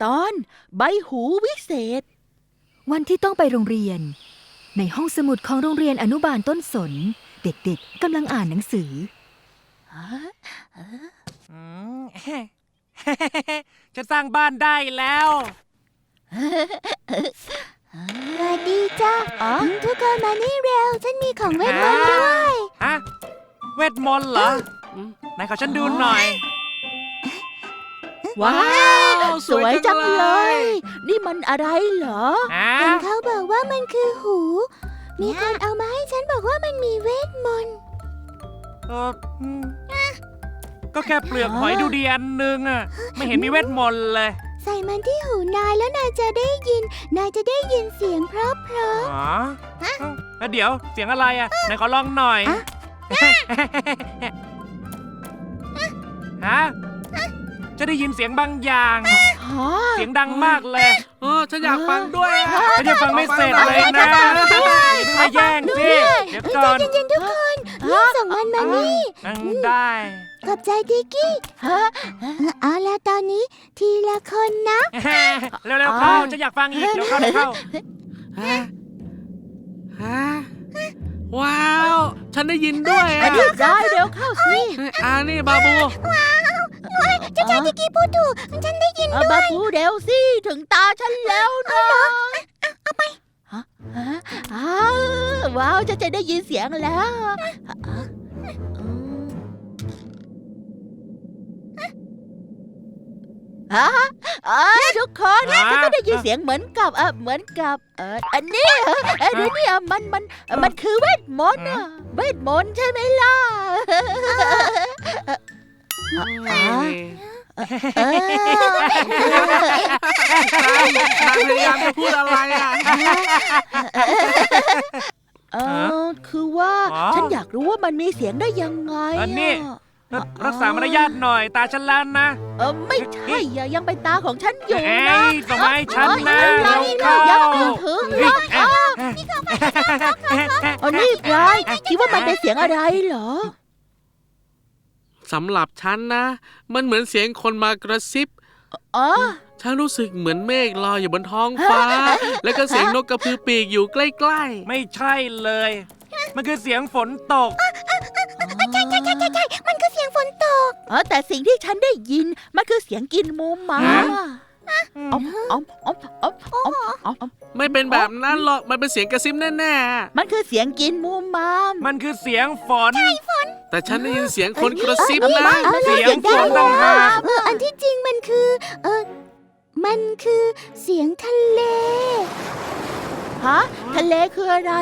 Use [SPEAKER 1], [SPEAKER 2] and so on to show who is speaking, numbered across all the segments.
[SPEAKER 1] ตอนใบหูวิเศษ
[SPEAKER 2] วันที่ต้องไปโรงเรียนในห้องสมุดของโรงเรียนอนุบาลต้นสนเด็กๆกำลังอ่านหนังสือ
[SPEAKER 3] จะสร้างบ้านได้แล้ว
[SPEAKER 4] สวัสดีจ้าทุกคนมานี่เร็วฉันมีของเวทมนต์ด้วย
[SPEAKER 3] ฮะเวทมนต์เหรอไหนขอฉันดูหน่อย
[SPEAKER 1] ว้าวสวยจังเลยนี่มันอะไรเหรอ
[SPEAKER 4] เห็นเขาบอกว่ามันคือหูมีคนเอามาให้ฉันบอกว่ามันมีเวทมนต์
[SPEAKER 3] ก็แค่เปลือกหอยดูดีอันนึงอ่ะไม่เห็นมีเวทมนต์เลย
[SPEAKER 4] ใส่มันที่หูนายแล้วนายจะได้ยินเสียงเพราะ
[SPEAKER 3] แล้วเดี๋ยวเสียงอะไรอ่ะไหนขอลองหน่อยฮะจะได้ยินเสียงบางอย่างเสียงดังมากเลย
[SPEAKER 5] ฉันอยากฟังด้วย
[SPEAKER 3] ฉันยังฟังไม่เสร็จเลยนะมาแย่งสิเดี๋ยวก่อน
[SPEAKER 4] ใจเย็นๆทุกคนรีบส่งมันมานี่
[SPEAKER 3] ได้
[SPEAKER 4] ขอบใจดิกกี้เอาละตอนนี้ทีละคนนะ
[SPEAKER 3] เร็วๆเข้าฉันอยากฟังอีกเร็วเข้า
[SPEAKER 5] ว้าวฉันได้ยินด้วย
[SPEAKER 1] ได้เร็วเข้าสิ
[SPEAKER 5] นี่บาบู
[SPEAKER 4] เจ้าชายดิกกี้พูดถูกฉันได้ยินด้วย
[SPEAKER 1] บาบูเร็วสิถึงตาฉันแล้วนะ
[SPEAKER 4] เอาไป
[SPEAKER 1] ว้าวจะได้ยินเสียงแล้วทุกคนฉันก็ได้ยินเสียงเหมือนกับอันนี้ดูนี่มันคือเวทมนต์เวทมนต์ใช่ไหมล่ะ
[SPEAKER 5] พยายามจะพูดอะไร
[SPEAKER 1] คือว่าฉันอยากรู้ว่ามันมีเสียงได้ยังไง
[SPEAKER 3] นี่รักษามารยาทหน่อยตาฉันแล้วนะ
[SPEAKER 1] ไม่ใช่ยังเป็นตาของฉันอยู่นะ
[SPEAKER 3] ส่งมาให้ฉันนะเราเข้า
[SPEAKER 1] ถึงแล้วนี่พลายคิดว่ามันเป็นเสียงอะไรเหรอ
[SPEAKER 5] สำหรับฉันนะมันเหมือนเสียงคนมากระซิบฉันรู้สึกเหมือนเมฆลอยอยู่บนท้องฟ้าแล้วก็เสียงนกกระพือปีกอยู่ใกล้
[SPEAKER 3] ๆไม่ใช่เลยมันคือเสียงฝนตก
[SPEAKER 4] ใช่มันคือเสียงฝนตก
[SPEAKER 1] แต่สิ่งที่ฉันได้ยินมันคือเสียงกินมูมา
[SPEAKER 5] ไม่เป็นแบบนั้นหรอกมันเป็นเสียงกระซิบแน่
[SPEAKER 1] ๆมันคือเสียงกินมูมา
[SPEAKER 3] มันคือเสียงฝน
[SPEAKER 5] แต่ฉันได้ยินเสียงคนกระซิบนะ
[SPEAKER 3] เสียงฝนต่างหาก
[SPEAKER 4] อันที่จริงมันคือเสียงทะเล
[SPEAKER 1] ทะเลคืออะไร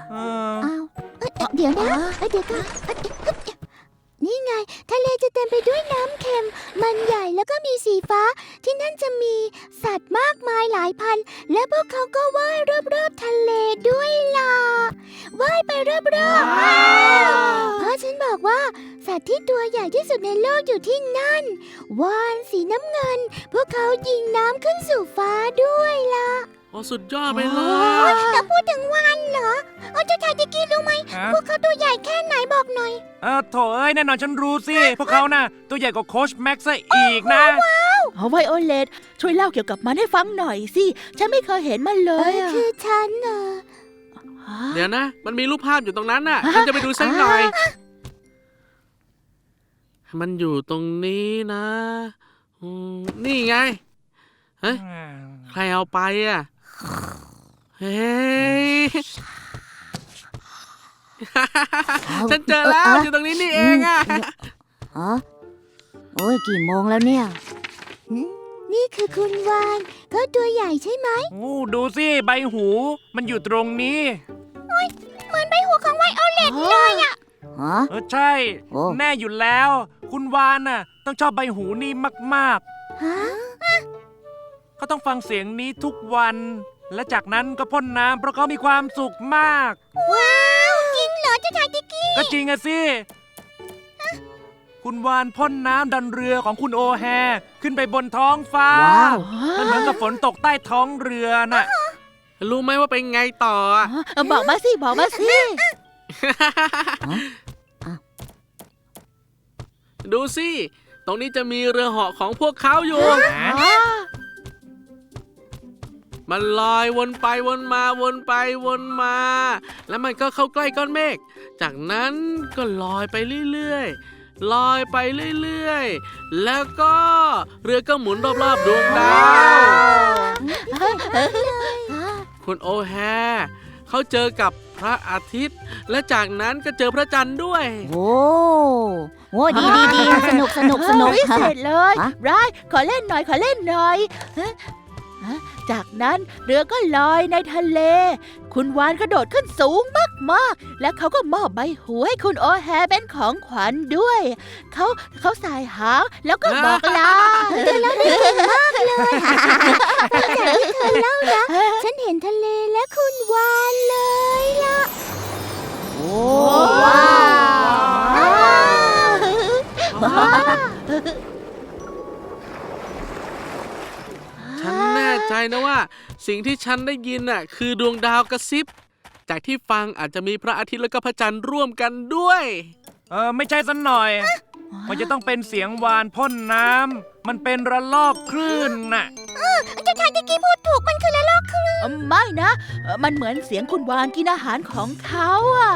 [SPEAKER 4] เดี๋ยวนะเดี๋ยวก่อนนี่ไงทะเลจะเต็มไปด้วยน้ำเค็มมันใหญ่แล้วก็มีสีฟ้าที่นั่นจะมีสัตว์มากมายหลายพันและพวกเขาก็ว่ายรอบๆทะเลด้วยล่ะว่ายไปรอบๆเพราะฉันบอกว่าสัตว์ที่ตัวใหญ่ที่สุดในโลกอยู่ที่นั่นวาฬสีน้ำเงินพวกเขายิงน้ำขึ้นสู่ฟ้าด้วยล่ะ
[SPEAKER 5] สุดยอดไปเลย
[SPEAKER 4] แต่พูดถึงวาฬเหรอเจ้าชายดิกกี้รู้ไหมพวกเขาตัวใหญ่แค่ไหนบอกหน่อย
[SPEAKER 3] โถเอ้ยแน่นอนฉันรู้สิพวกเขาน่ะตัวใหญ่กว่าโค้ชแม็กซ์ซะอีกนะ
[SPEAKER 1] ไวโอเลตช่วยเล่าเกี่ยวกับมันให้ฟังหน่อยสิฉันไม่เคยเห็นมันเลย
[SPEAKER 4] คือฉัน
[SPEAKER 5] เดี๋ยวนะมันมีรูปภาพอยู่ตรงนั้นน่ะฉันจะไปดูสักหน่อยมันอยู่ตรงนี้นะนี่ไงเฮ้ยใครเอาไปเฮ้ยฉันเจอแล้วอยู่ตรงนี้นี่เอง
[SPEAKER 4] โอ้ยกี่โมงแล้วเนี่ยนี่คือคุณวานเขาตัวใหญ่ใช่ไหม
[SPEAKER 3] ดูสิใบหูมันอยู่ตรงนี้
[SPEAKER 4] เหมือนใบหูของไวโอเลตเลย
[SPEAKER 3] ใช่แน่อยู่แล้วคุณวานน่ะต้องชอบใบหูนี่มากๆเขาต้องฟังเสียงนี้ทุกวันและจากนั้นก็พ่นน้ำเพราะเขามีความสุขมาก
[SPEAKER 4] ว้าวจริงเหรอเจ้าชายดิกกี้
[SPEAKER 3] ก็จริงอะสิคุณวานพ่นน้ำดันเรือของคุณโอแฮขึ้นไปบนท้องฟ้ามันเหมือนกับฝนตกใต้ท้องเรือน่ะ
[SPEAKER 5] รู้ไหมว่าเป็นไงต่อ
[SPEAKER 1] บอกมาสิ
[SPEAKER 5] ดูสิตรงนี้จะมีเรือเหาะของพวกเขาอยู่มันลอยวนไปวนมาวนไปวนมา แล้วมันก็เข้าใกล้ก้อนเมฆจากนั้นก็ลอยไปเรื่อยๆลอยไปเรื่อยๆแล้วก็เรือก็หมุนรอบๆดวงดาวคุณโอแฮเขาเจอกับพระอาทิตย์ และจากนั้นก็เจอพระจันทร์ด้วย
[SPEAKER 4] โอ้ดีสนุกสนุก
[SPEAKER 1] วิเศษเลย
[SPEAKER 4] ฮะ
[SPEAKER 1] ไรขอเล่นหน่อยฮะจากนั้นเรือก็ลอยในทะเล คุณวานกระโดดขึ้นสูงมากๆ และเขาก็มอบใบหูให้คุณโอแฮเป็นของขวัญด้วย เขาสายหางแล้วก็บอกลา
[SPEAKER 4] ฉันเห็นทะเลและคุณวานเลยล่ะ โอ้
[SPEAKER 1] ว้าว
[SPEAKER 5] ฉันแน่ใจนะว่า สิ่งที่ฉันได้ยินน่ะคือดวงดาวกระซิบ จากที่ฟังอาจจะมีพระอาทิตย์และก็พระจันทร์ร่วมกันด้วย
[SPEAKER 3] ไม่ใช่สันหน่อย มันจะต้องเป็นเสียงวานพ่นน้ำ มันเป็นระลอกคลื่นน่ะ
[SPEAKER 4] เจ้าชายที่กี้พูดถูกมันคือละลอกคลื่น
[SPEAKER 1] ไม่นะ มันเหมือนเสียงคุณวานกินอาหารของเขาอ่ะ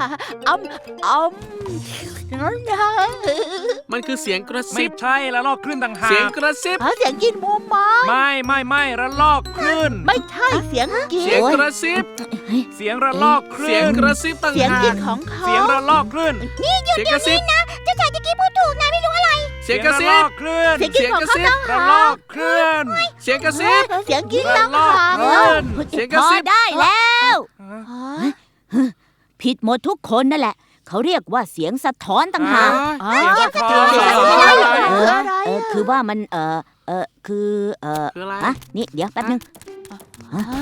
[SPEAKER 1] นั่นนะ
[SPEAKER 5] มันคือเสียงกระ
[SPEAKER 3] ไม่
[SPEAKER 5] ซิบ
[SPEAKER 3] ใช่ระลอกคลื่นต่างหา
[SPEAKER 5] เสียง
[SPEAKER 3] ก
[SPEAKER 5] กระซิบ
[SPEAKER 1] เสียงกินหมูไม้
[SPEAKER 3] ไม่ระลอกคลื่น
[SPEAKER 1] ไม่ใช่เสียงกิ
[SPEAKER 5] เสียง
[SPEAKER 1] น
[SPEAKER 5] กระซิบ
[SPEAKER 3] เสียงระลอกค
[SPEAKER 5] เสี
[SPEAKER 3] ลื่
[SPEAKER 5] ยง
[SPEAKER 3] น
[SPEAKER 5] กระซิบต่าง
[SPEAKER 1] เสียง
[SPEAKER 5] หา
[SPEAKER 1] กิน
[SPEAKER 5] ก
[SPEAKER 1] ของเขา
[SPEAKER 3] เสียงระลอกคลื่น
[SPEAKER 5] เสียงกระซิบ
[SPEAKER 4] เจ้าชายที่กี้พูดถูกนะไม่รู้อะไร
[SPEAKER 5] เสียงกระซิ
[SPEAKER 3] ระล
[SPEAKER 5] บ
[SPEAKER 3] อกคลื่น
[SPEAKER 1] เสียงกินของเขาต่าง
[SPEAKER 3] ระ
[SPEAKER 1] หา
[SPEAKER 3] ลอก กคลื่น
[SPEAKER 5] เสียงกระซิบ
[SPEAKER 1] เสียงกินต่างหาก
[SPEAKER 3] ระลอกคลื่น
[SPEAKER 5] เสียงกระซิบ
[SPEAKER 4] พอได้แล้ว
[SPEAKER 1] อ๋อ
[SPEAKER 4] ผิดหมดทุกคนนั่นแหละ เขาเรียกว่าเสียงสะท้อนต่างหาก
[SPEAKER 1] อ๋อ
[SPEAKER 3] เสียงสะท้อน
[SPEAKER 1] เสียงสะท้อน
[SPEAKER 3] อะไร
[SPEAKER 1] อะไร
[SPEAKER 4] คือว่ามันคือ
[SPEAKER 5] คืออะไร
[SPEAKER 4] นี่เดี๋ยวแป๊บนึง
[SPEAKER 1] อ๋อ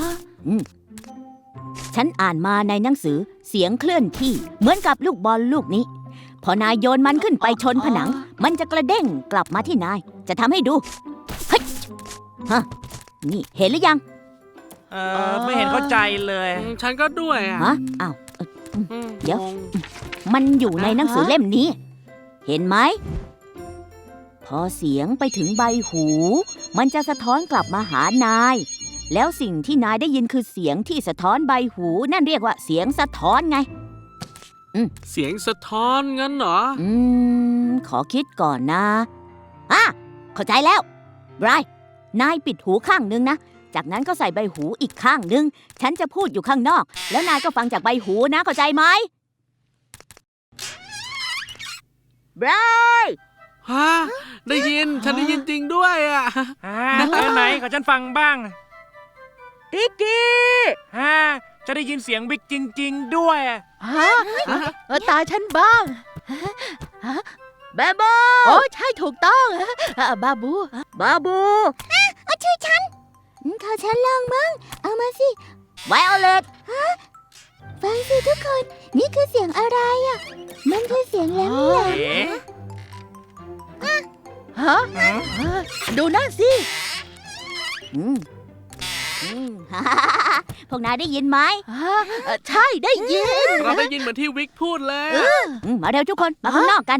[SPEAKER 4] ฉันอ่านมาในหนังสือเสียงเคลื่อนที่เหมือนกับลูกบอลลูกนี้ พอนายโยนมันขึ้นไปชนผนัง มันจะกระเด้งกลับมาที่นาย จะทำให้ดูเฮ้ยฮะนี่เห็นหรือยัง
[SPEAKER 3] ไม่เห็นเข้าใจเลย
[SPEAKER 5] ฉันก็ด้วยอ่ะ
[SPEAKER 4] ฮะอ้าว เดี๋ยว
[SPEAKER 5] งง
[SPEAKER 4] มันอยู่ในหนังสือเล่มนี้ เห็นไหม พอเสียงไปถึงใบหู มันจะสะท้อนกลับมาหานาย แล้วสิ่งที่นายได้ยินคือเสียงที่สะท้อนใบหู นั่นเรียกว่าเสียงสะท้อนไง
[SPEAKER 5] เสียงสะท้อนงั้นเหรอ
[SPEAKER 4] ขอคิดก่อนนะเข้าใจแล้วไบรท์นายปิดหูข้างนึงนะ จากนั้นก็ใส่ใบหูอีกข้างนึง ฉันจะพูดอยู่ข้างนอก แล้วนายก็ฟังจากใบหูนะ เข้าใจไหมไบรท์
[SPEAKER 5] ฮะ ได้ยิน ฉันได้ยินจริงด้วยอ่ะ
[SPEAKER 3] ไหนขอฉันฟังบ้าง
[SPEAKER 4] ติ๊กกี้
[SPEAKER 3] จะได้ยินเสียงบิ๊กจริง ๆ ด้วย
[SPEAKER 1] ฮะตาฉันบ้างบาบูโอ้ใช่ถูกต้องบาบู
[SPEAKER 4] ชื่อฉันขอฉันลองมั้งเอามาสิไวโอเลตฟังสิทุกคน นี่คือเสียงอะไรอ่ะ มันคือเสียงแหลม
[SPEAKER 3] เอ๊ะ
[SPEAKER 1] ฮะดูนั่นสิ
[SPEAKER 4] พวกนายได้ยินไหม
[SPEAKER 1] ใช่ได้ยิน
[SPEAKER 5] เราได้ยินเหมือนที่วิกพูดเลย
[SPEAKER 4] มาเร็วทุกคน มาข้างนอกกัน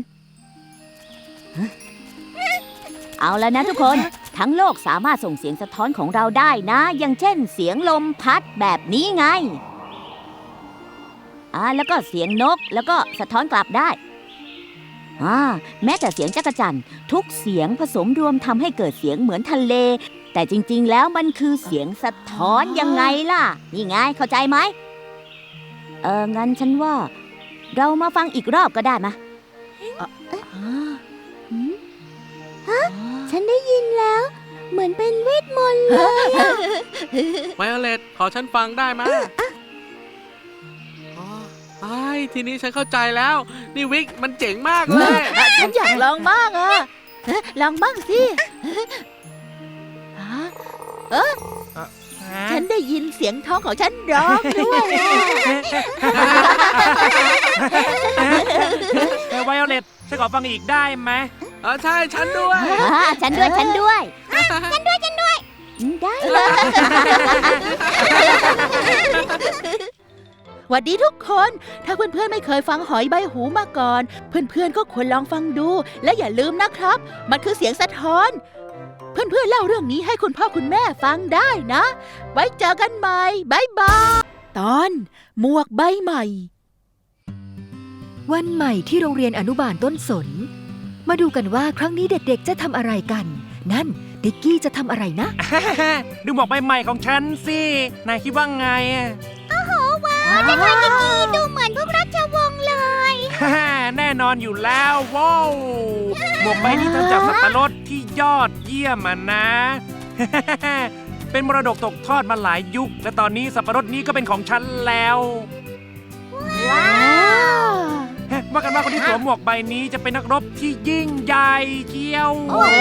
[SPEAKER 4] เอาแล้วนะทุกคน ทั้งโลกสามารถส่งเสียงสะท้อนของเราได้นะ อย่างเช่นเสียงลมพัดแบบนี้ไง แล้วก็เสียงนกแล้วก็สะท้อนกลับได้ แม้แต่เสียงจักจั่นทุกเสียงผสมรวมทำให้เกิดเสียงเหมือนทะเล แต่จริงๆแล้วมันคือเสียงสะท้อนยังไงล่ะ นี่ไงเข้าใจไหม งั้นฉันว่า เรามาฟังอีกรอบก็ได้ไหมฉันได้ยินแล้ว เหมือนเป็นเวทมนต์เลย
[SPEAKER 5] ไวโอเลตขอฉันฟังได้ไหมทีนี้ฉันเข้าใจแล้ว นี่วิกมันเจ๋งมากเลย
[SPEAKER 1] ฉันอยากลองบ้างลองบ้างสิฉันได้ยินเสียงท้องของฉันร้องด้วย
[SPEAKER 3] ไวโอเลตฉันขอฟังอีกได้ไหม
[SPEAKER 5] ใช่ฉันด้วย
[SPEAKER 4] ฉันด้วย ฉันด้วย ได้
[SPEAKER 1] หวัดดีทุกคน ถ้าเพื่อนๆไม่เคยฟังหอยใบหูมาก่อน เพื่อนๆก็ควรลองฟังดู และอย่าลืมนะครับ มันคือเสียงสะท้อน เเพื่อนๆเล่าเรื่องนี้ให้คุณพ่อคุณแม่ฟังได้นะ ไว้เจอกันใหม่บายบายตอนหมวกใบใหม่
[SPEAKER 2] วันใหม่ที่โรงเรียนอนุบาลต้นสน มาดูกันว่าครั้งนี้เด็กๆจะทำอะไรกัน นั่นติ๊กกี้จะทำอะไรนะ
[SPEAKER 3] ดูหมวกใบใหม่ของฉันสิ นายคิดว่าไงอะ
[SPEAKER 4] จะทำอย่างนี้ดูเหมือนพวกราชวงศ์เลย
[SPEAKER 3] แน่นอนอยู่แล้วว้าวหมวกใบนี้ทำจากสับปะรดที่ยอดเยี่ยมอะนะ เป็นมรดกตกทอดมาหลายยุค และตอนนี้สับปะรดนี้ก็เป็นของฉันแล้ว
[SPEAKER 4] ว้าว
[SPEAKER 3] ว่ากันว่าคนที่สวมหมวกใบนี้จะเป็นนักรบที่ยิ่งใหญ่เกี้ยว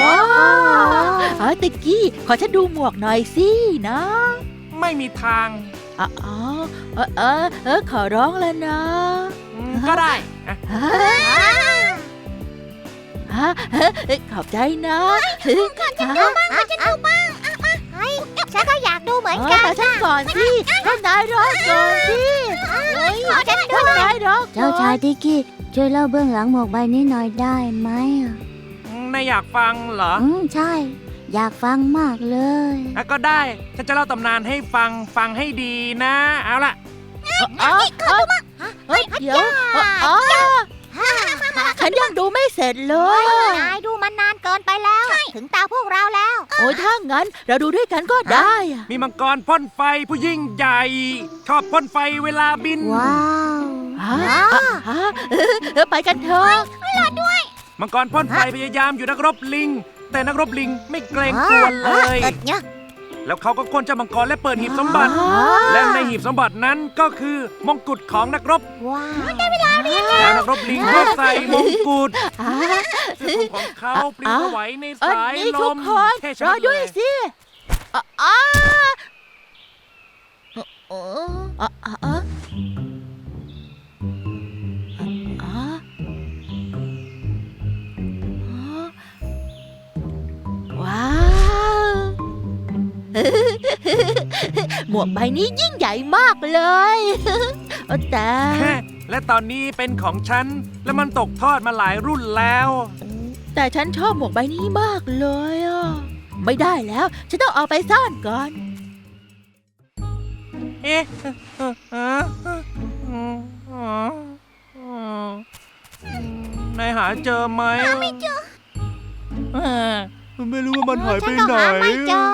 [SPEAKER 1] ติ๊กกี้ขอฉันดูหมวกหน่อยสินะ
[SPEAKER 3] ไม่มีทาง
[SPEAKER 1] ขอร้องแล้วนะ
[SPEAKER 3] ก็ได้
[SPEAKER 1] ขอบใจนะ
[SPEAKER 4] ฉันดูบ้างฉันดูบ้างฉันก็อยากดูเหมือนกัน
[SPEAKER 1] แต่ฉันก่อนสิให้นายร้องก่อนสิ
[SPEAKER 4] ขอฉันดู
[SPEAKER 1] ให้นายร้องก่อน
[SPEAKER 4] เจ้าชายติ๊กกี้ช่วยเล่าเบื้องหลังหมวกใบนี้หน่อยได้ไหม
[SPEAKER 3] นายอยากฟังเหรอ
[SPEAKER 4] ใช่ อยากฟังมากเลย
[SPEAKER 3] ก็ได้ ฉันจะเล่าตำนานให้ฟังให้ดีนะ เอาล่ะ
[SPEAKER 1] เดี๋ยวฉันยังดูไม่เสร็จเลย
[SPEAKER 4] นายดูมันนานเกินไปแล้ว ถึงตาพวกเราแล้ว
[SPEAKER 1] โอ้ยถ้างั้นเราดูด้วยกันก็ได้อะ
[SPEAKER 3] มีมังกรพ่นไฟผู้ยิ่งใหญ่ ชอบพ่นไฟเวลาบิน
[SPEAKER 4] ว้าว
[SPEAKER 1] ไปกันเถอะ
[SPEAKER 3] มังกรพ่นไฟพยายามอยู่นักรบลิง แต่นักรบลิงไม่เกรงกลัวเลย แล้วเขาก็ค้นเจ้ามังกรและเปิดหีบสมบัติ และในหีบสมบัตินั้นก็คือมงกุฎของนักรบ
[SPEAKER 4] ว้าวได้เวลาเรียน
[SPEAKER 3] แล้วนักรบลิงก็ใส่มงกุฎเสื้อคลุมของเขาปลิวไหวในสาย
[SPEAKER 1] นี่
[SPEAKER 3] ล
[SPEAKER 1] ทุก
[SPEAKER 3] ม
[SPEAKER 1] คน
[SPEAKER 3] เท่
[SPEAKER 1] ร
[SPEAKER 3] ชะ
[SPEAKER 1] อ
[SPEAKER 3] มัด
[SPEAKER 1] ด้วย
[SPEAKER 3] เลย
[SPEAKER 1] สิว้าว หมวกใบนี้ยิ่งใหญ่มากเลยแต่
[SPEAKER 3] และตอนนี้เป็นของฉัน และมันตกทอดมาหลายรุ่นแล้ว
[SPEAKER 1] แต่ฉันชอบหมวกใบนี้มากเลยอ่ะไม่ได้แล้ว ฉันต้องเอาไปซ่อนก่อน
[SPEAKER 3] เอ๊ะนายหาเจอไหมไม่เจอไม่รู้ว่ามันหายไปไหน
[SPEAKER 4] ไม่เจอ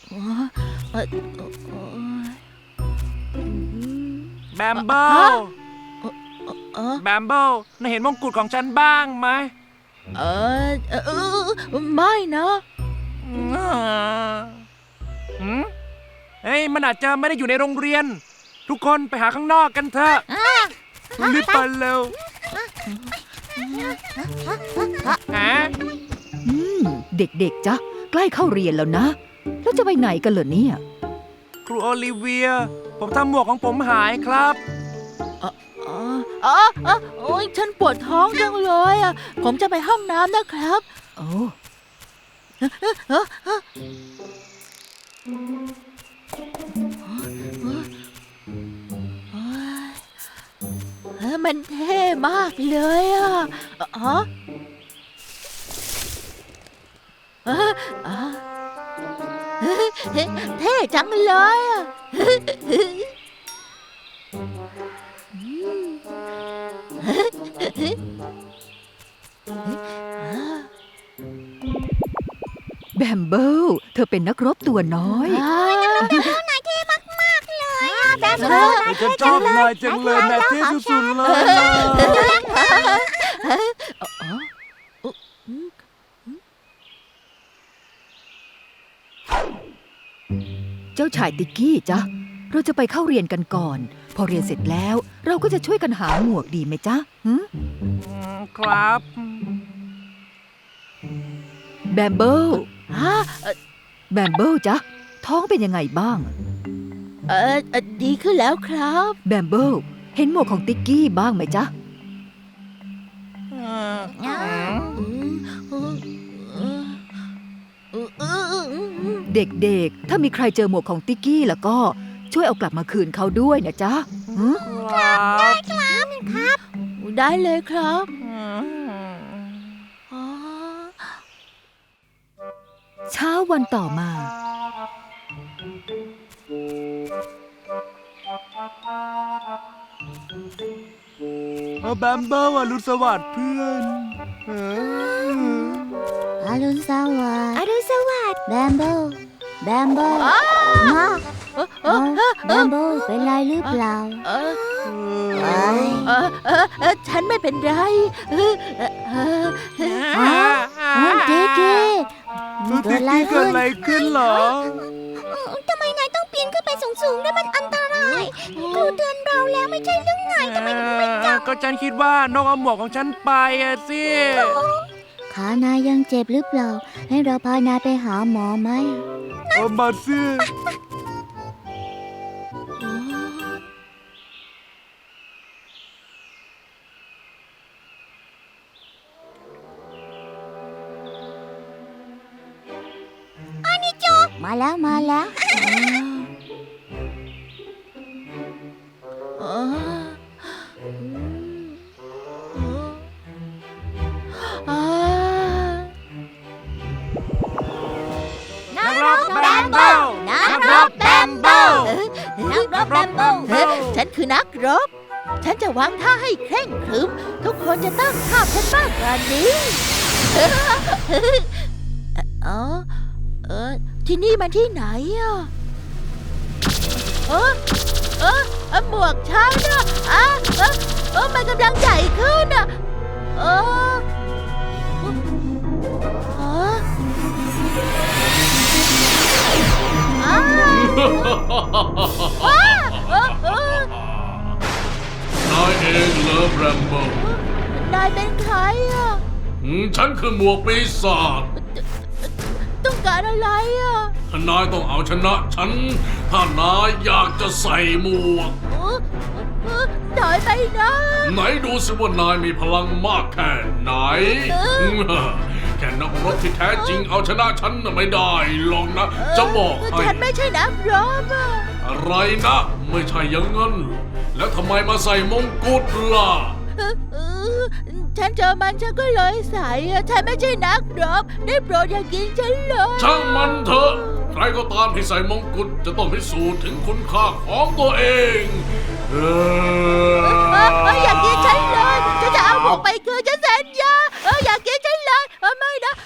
[SPEAKER 3] แบมเบิลแบมเบิลนายเห็นมงกุฎของฉันบ้างไหม
[SPEAKER 1] ไม่นะ
[SPEAKER 3] เฮ้ยมันอาจจะไม่ได้อยู่ในโรงเรียน ทุกคนไปหาข้างนอกกันเถอะรีบไปเร็วหา
[SPEAKER 2] เด็กๆจ๊ะใกล้เข้าเรียนแล้วนะ แล้วจะไปไหนกันเหรอเนี่ย
[SPEAKER 3] ครูโอลิเวีย ผมทำหมวกของผมหายครับ
[SPEAKER 1] โอ้ยฉันปวดท้องจังเลยอ่ะผมจะไปห้องน้ำนะครับ
[SPEAKER 2] โอ้
[SPEAKER 1] มันเท่มากเลยอ่ะเท่จังเลยอ่ะ
[SPEAKER 2] แบมเบิลเธอเป็นนักรบตัวน้อย
[SPEAKER 4] แบบนี้
[SPEAKER 3] ฉันชอบนายจังเลยนายเท่สุดๆเลย
[SPEAKER 2] เจ้าชายติ๊กกี้จ๊ะ เราจะไปเข้าเรียนกันก่อน พอเรียนเสร็จแล้ว เราก็จะช่วยกันหาหมวกดีไหมจ๊ะ
[SPEAKER 3] ครับ
[SPEAKER 2] แบมเบิลแบมเบิลจ๊ะ ท้องเป็นยังไงบ้าง
[SPEAKER 1] ดีขึ้นแล้วครับ
[SPEAKER 2] แบมเบิลเห็นหมวกของติ๊กกี้บ้างไหมจ๊ะ เด็กๆ ถ้ามีใครเจอหมวกของติ๊กกี้แล้วก็ช่วยเอากลับมาคืนเขาด้วยนะจ๊ะ
[SPEAKER 1] ได้เลยครับ
[SPEAKER 2] เช้าวันต่อมา
[SPEAKER 3] แบมเบิลอรุณสวัสดิ์เพื่อน
[SPEAKER 4] อรุณสวัสดิ์อรุณสวัสดิ์แบมเบิลแบมเบิลมา แบมเบิลเป็นไรหรือเปล่า
[SPEAKER 1] เออ
[SPEAKER 4] เอ้ย
[SPEAKER 1] ฉันไม่เป็นไร
[SPEAKER 4] ติ๊กกี้เกิดอะไร
[SPEAKER 3] เกิ
[SPEAKER 4] ขึ้
[SPEAKER 3] ด
[SPEAKER 4] น
[SPEAKER 3] อะไรขึ้นเหรอ
[SPEAKER 4] ทำไมนายต้องปีนขึ้นไปสูงๆด้วยมันอันตรายครูเตือนเราแล้วไม่ใช่เรื่องไงทำไมถึงไม่จับ
[SPEAKER 3] ก็ฉันคิดว่านกเอาหมวกของฉันไปอะสิ
[SPEAKER 4] ขานายยังเจ็บหรือเปล่า ให้เราพานายไปหาหมอไหม
[SPEAKER 3] มาสิ
[SPEAKER 4] มาแล้วมาแล้ว
[SPEAKER 3] นักรบแบมเบิลนักรบแบมเบิล
[SPEAKER 4] นักรบแบมเบิล
[SPEAKER 1] ฉันคือนักรบ ฉันจะวางท่าให้เคร่งครึม ทุกคนจะตั้งท่าฉันมากกว่านี้อ๋อที่นี่มันที่ไหนอ่ะหมวกฉันอ่ะมันกำลังใหญ่ขึ้นอ่ะ
[SPEAKER 6] นายเองเหรอแบมเบิล
[SPEAKER 1] นายเป็นใครอ่ะ
[SPEAKER 6] ฉันคือหมวกปีศาจ
[SPEAKER 1] ต้องการอะไรอ่ะ
[SPEAKER 6] ถ้านายต้องเอาชนะฉัน ถ้านายอยากจะใส่หมวก
[SPEAKER 1] ถอยไปนะ
[SPEAKER 6] ไหนดูสิว่านายมีพลังมากแค่ไหน แค่นักรบที่แท้จริงเอาชนะฉันน่ะไม่ได้หรอกนะ จะบอกให้
[SPEAKER 1] ฉันไม่ใช่นักรบอ่ะ
[SPEAKER 6] อะไรนะ ไม่ใช่อย่างนั้นหรอกแล้วทำไมมาใส่มงกุฎล่ะ
[SPEAKER 1] ฉันเจอมันฉันก็เลยใส่อะฉันไม่ใช่นักรบ ได้โปรดอย่ากินฉันเลย
[SPEAKER 6] ช่างมันเถอะ ใครก็ตามที่ใส่มงกุฎจะต้องพิสูจน์ถึงคุณค่าของตัวเอง
[SPEAKER 1] อย่ากินฉันเลยฉันจะเอาหมวกไปคืนฉันสัญญาอย่ากินฉันเลยไม่นะ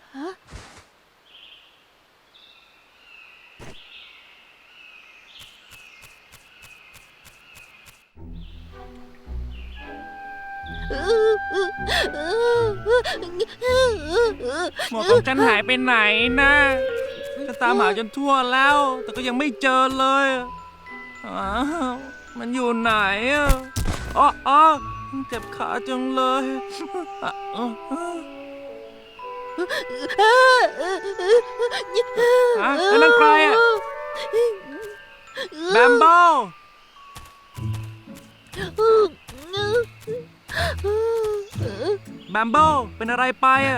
[SPEAKER 3] หมวกของฉันหายไปไหนนะฉันตามหาจนทั่วแล้ว แต่ก็ยังไม่เจอเลยอ้าวมันอยู่ไหนอ่ะอ๋อเจ็บขาจังเลยนั่นใครอ่ะแบมเบิลแบมเบิลเป็นอะไรไปอ่ะ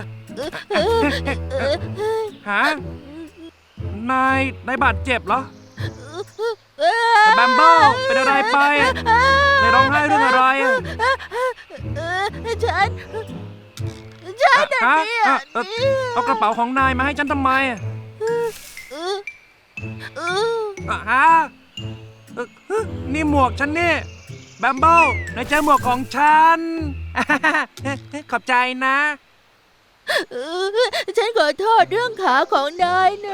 [SPEAKER 3] ฮะนายบาดเจ็บเหรอแบมเบิลเป็นอะไรไปอ่ะนายร้องไห้เรื่องอะไรอ่ะ
[SPEAKER 1] ฉัน
[SPEAKER 3] เอากระเป๋าของนายมาให้ฉันทำไมอ่ะฮะนี่หมวกฉันนี่แบมเบิลนายเจอหมวกของฉัน ขอบใจนะ
[SPEAKER 1] ฉันขอโทษเรื่องขาของนายนะ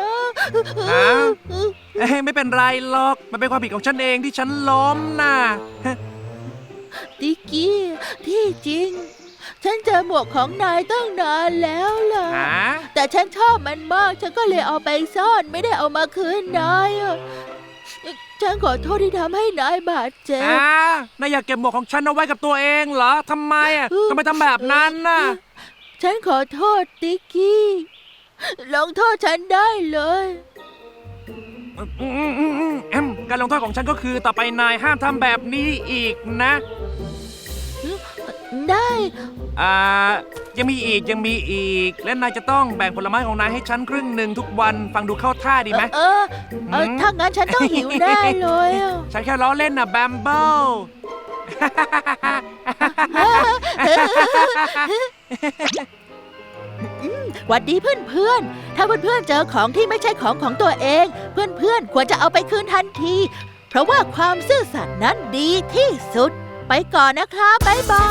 [SPEAKER 3] ไม่เป็นไรหรอกมันเป็นความผิดของฉันเองที่ฉันล้มน่ะ
[SPEAKER 1] ติกกี้ที่จริง ฉันเจอหมวกของนายตั้งนานแล้วล่ะ แต่ฉันชอบมันมากฉันก็เลยเอาไปซ่อนไม่ได้เอามาคืนนายอะฉันขอโทษที่ทำให้นายบาดเจ็บ
[SPEAKER 3] นายอยากเก็บหมวกของฉันเอาไว้กับตัวเองเหรอทำไมอ่ะทำไมทำแบบนั้นน่ะ
[SPEAKER 1] ฉันขอโทษติกกี้ลงโทษฉันได้เลย
[SPEAKER 3] การลงโทษของฉันก็คือต่อไปนายห้ามทำแบบนี้อีกนะ
[SPEAKER 1] ได้
[SPEAKER 3] ยังมีอีกและนายจะต้องแบ่งผลไม้ของนายให้ฉันครึ่งหนึ่งทุกวันฟังดูเข้าท่าดีไหม
[SPEAKER 1] ถ้างั้นฉันต้องหิวแน่เลยอะ
[SPEAKER 3] ฉันแค่ล้อเล่นน่ะแบมเบิล
[SPEAKER 1] หวัดดีเพื่อนถ้าเพื่อนๆเจอของที่ไม่ใช่ของตัวเอง เพื่อนๆควรจะเอาไปคืนทันที เพราะว่าความซื่อสัตย์นั้นดีที่สุด ไปก่อนนะครับบ๊ายบาย